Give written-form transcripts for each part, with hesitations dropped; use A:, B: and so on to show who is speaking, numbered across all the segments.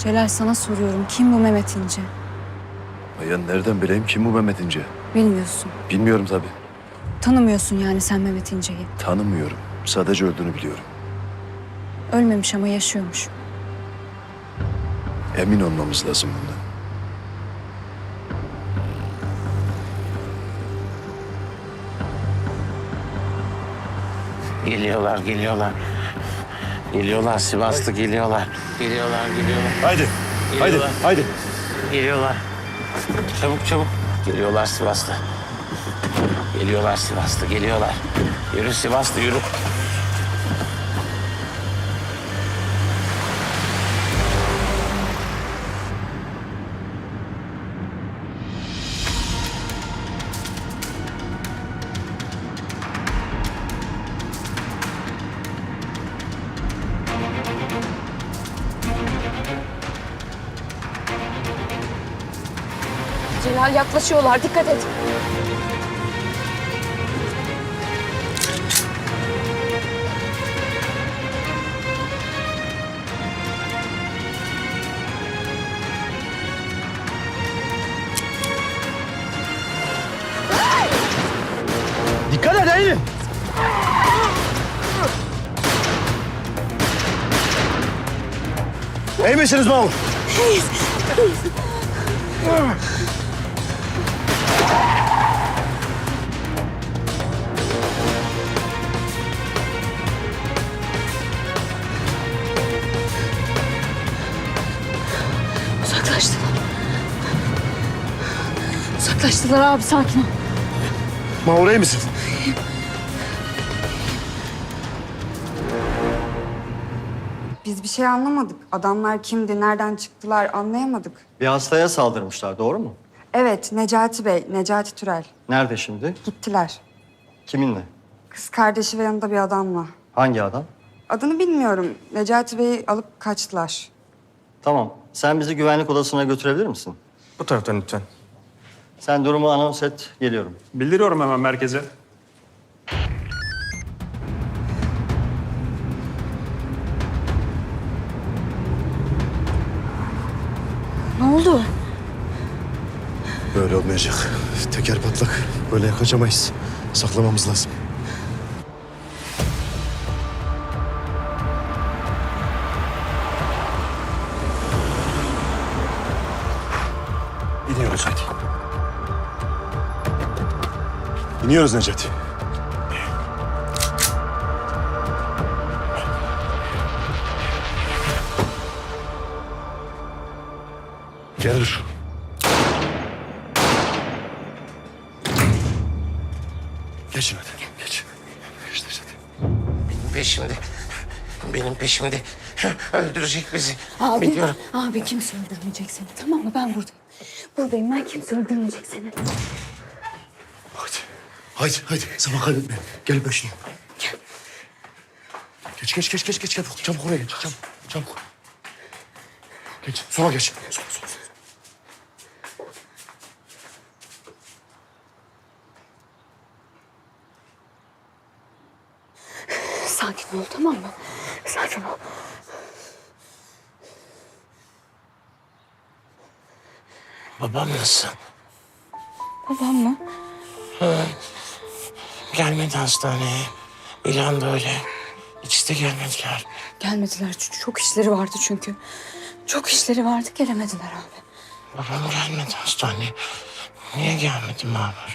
A: Celal, sana soruyorum. Kim bu Mehmet İnce?
B: Ya nereden bileyim kim bu Mehmet İnce?
A: Bilmiyorsun.
B: Bilmiyorum tabii.
A: Tanımıyorsun yani sen Mehmet İnce'yi.
B: Tanımıyorum. Sadece öldüğünü biliyorum.
A: Ölmemiş ama yaşıyormuş.
B: Emin olmamız lazım bundan.
C: Geliyorlar, geliyorlar. Geliyorlar, Sivaslı geliyorlar. Geliyorlar.
B: Haydi.
C: Geliyorlar.
B: Haydi.
C: Geliyorlar. Çabuk. Geliyorlar Sivaslı. Geliyorlar. Yürü Sivaslı, yürü.
A: Celal, yaklaşıyorlar. Dikkat et.
B: Dikkat et Eylül. İyi misiniz Mahmut?
A: Uzaklaştılar abi, sakin ol.
B: Mahmut iyi misin?
D: Biz bir şey anlamadık. Adamlar kimdi, nereden çıktılar anlayamadık.
E: Bir hastaya saldırmışlar, doğru mu?
D: Evet, Necati Bey, Necati Türel.
E: Nerede şimdi?
D: Gittiler.
E: Kiminle?
D: Kız kardeşi ve yanında bir adamla.
E: Hangi adam?
D: Adını bilmiyorum. Necati Bey'i alıp kaçtılar.
E: Tamam. Sen bizi güvenlik odasına götürebilir misin?
F: Bu taraftan lütfen.
E: Sen durumu anons et, geliyorum.
F: Bildiriyorum hemen merkeze.
A: Ne oldu?
B: Böyle olmayacak. Teker patlak. Böyle kaçamayız. Saklamamız lazım. İniyoruz hadi. İniyoruz Necati. Gel dur. Geçin hadi. Geç. Geç Necati.
C: Benim peşimde. Öldürecek bizi.
A: Abi, abi kimse öldürmeyecek seni, tamam mı? Ben buradayım. Buradayım ben, kimse öldürmeyecek seni.
B: Haydi. Zaman kaybetme. Gel peşine. Gel. Geç. Çabuk oraya geç. Çabuk. Geç. Sola geç. Sola.
A: Sakin ol, tamam mı? Sakin ol.
C: Babam nasıl?
A: Babam mı?
C: Gelmedi hastaneye. İlan da öyle. İkisi de gelmediler.
A: Gelmediler, çok işleri vardı çünkü. Çok işleri vardı, gelemediler abi.
C: Babam gelmedi hastaneye. Niye gelmedi Mahmur?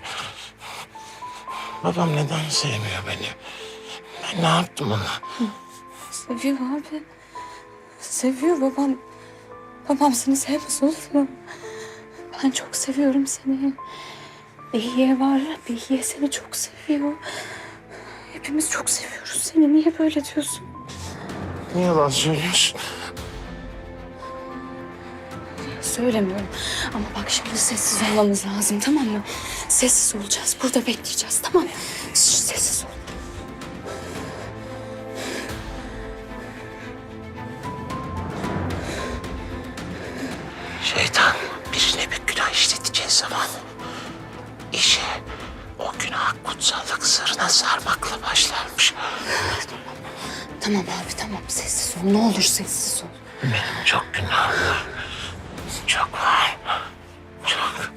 C: Babam neden sevmiyor beni? Ben ne yaptım ona?
A: Seviyor abi. Seviyor babam. Babam seni sevmez olur mu? Ben çok seviyorum seni. Behiye var ya, Behiye seni çok seviyor. Hepimiz çok seviyoruz seni. Niye böyle diyorsun?
C: Niye yalan söylüyorsun?
A: Söylemiyorum. Ama bak şimdi sessiz olmamız lazım, tamam mı? Sessiz olacağız. Burada bekleyeceğiz, tamam mı? Şş, sessiz ol.
C: Şeytan birine bir günah işleteceği zaman işe o günah kutsallık sırrına sarmakla başlarmış.
A: Tamam abi, tamam. Sessiz ol. Ne olur sessiz ol.
C: Benim çok günahım var. Çok var. Çok.